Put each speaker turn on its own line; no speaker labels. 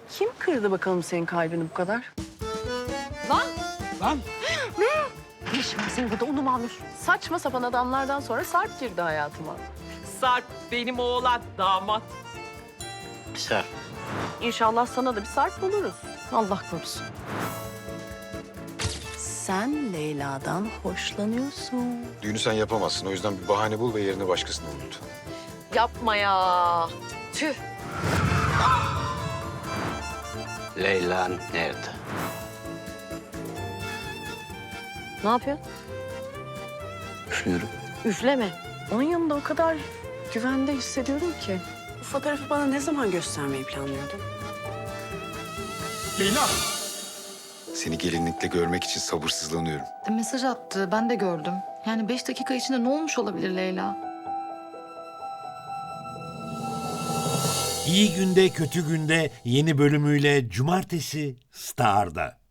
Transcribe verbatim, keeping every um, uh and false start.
Kim kırdı bakalım senin kalbini bu kadar?
Lan!
Lan
Ne işin var senin burada onu mu alıyorsun?
Saçma sapan adamlardan sonra Sarp girdi hayatıma.
Sarp benim oğlan damat.
Sarp.
İnşallah sana da bir Sarp buluruz.
Allah korusun.
Sen Leyla'dan hoşlanıyorsun.
Düğünü sen yapamazsın. O yüzden bir bahane bul ve yerine başkasını bul lütfen.
Yapma ya. Tüh.
Leyla nerede?
Ne yapıyorsun?
Üflüyorum.
Üfleme.
Onun yanında o kadar güvende hissediyorum ki.
Bu fotoğrafı bana ne zaman göstermeyi planlıyordun?
Leyla!
Seni gelinlikle görmek için sabırsızlanıyorum.
De mesaj attı. Ben de gördüm. Yani beş dakika içinde ne olmuş olabilir Leyla?
İyi Günde Kötü Günde yeni bölümüyle Cumartesi Star'da.